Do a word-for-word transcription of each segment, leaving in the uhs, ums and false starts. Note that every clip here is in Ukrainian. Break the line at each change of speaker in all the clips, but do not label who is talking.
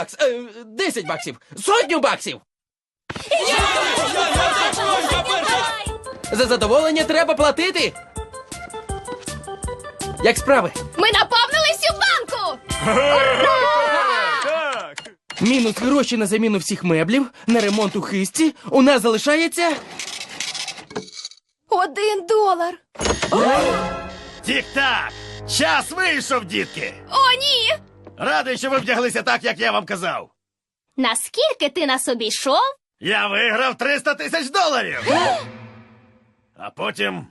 Е, Десять баксів. Сотню баксів. За задоволення треба платити. Як справи?
Ми наповнили всю банку!
Мінус гроші на заміну всіх меблів, на ремонт у хисті. У нас залишається...
Один долар.
Тік-так! Час вийшов, дітки!
О, ні!
Радий, що ви вдяглися так, як я вам казав.
Наскільки ти нас обійшов?
Я виграв триста тисяч доларів! А потім...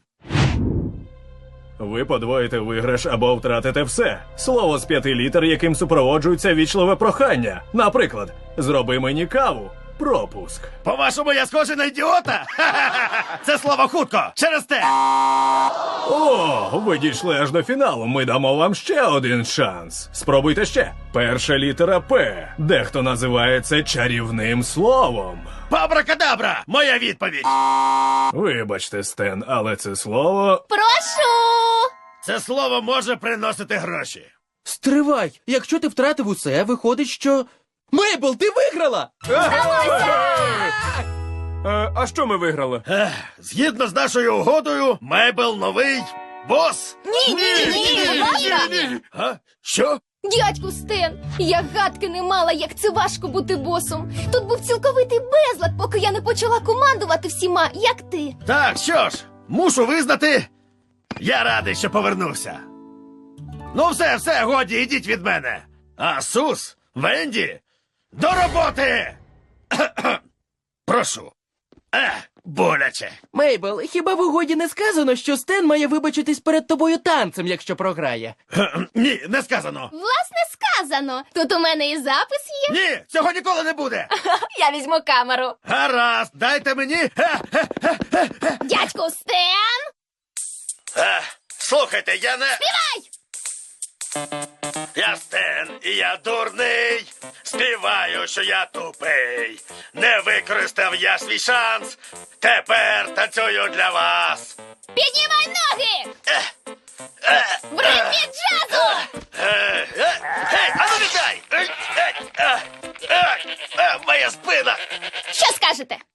Ви подвоїте виграш або втратите все. Слово з п'яти літер, яким супроводжується вічливе прохання. Наприклад, зроби мені каву. Пропуск.
По-вашому, я схожий на ідіота? Ха-ха-ха! Це слово хутко! Через те!
О, ви дійшли аж до фіналу. Ми дамо вам ще один шанс. Спробуйте ще. Перша літера П. Дехто називає це чарівним словом.
Пабракадабра! Моя відповідь!
Вибачте, Стен, але це слово...
Прошу!
Це слово може приносити гроші.
Стривай! Якщо ти втратив усе, виходить, що... Мейбл, ти виграла!
Е, а що ми виграли?
Ех, згідно з нашою угодою, Мейбл новий бос.
Ні, ні, ні, ні!
А? Що?
Дядьку Стен, я гадки не мала, як це важко бути босом. Тут був цілковитий безлад, поки я не почала командувати всіма, як ти.
Так, що ж, мушу визнати, я радий, що повернувся. Ну все, все, годі, ідіть від мене. А Сус, Венді, до роботи! Прошу. Ех, боляче.
Мейбл, хіба в угоді не сказано, що Стен має вибачитись перед тобою танцем, якщо програє?
Кхе-кхе, Ні, не сказано.
Власне сказано. Тут у мене і запис є.
Ні, цього ніколи не буде.
Я візьму камеру.
Гаразд, дайте мені. Хе-хе-хе-хе-хе.
Дядьку Стен!
Ех, Слухайте, я не...
Співай!
Я Стен, і я дурний. Співаю, що я тупий. Не використав я свій шанс. Тепер танцюю для вас.
Піднімай ноги! В ритмі джазу!
Е, е, Гей, а ну віддай! Е, е, е, е, е, Моя спина!
Що скажете?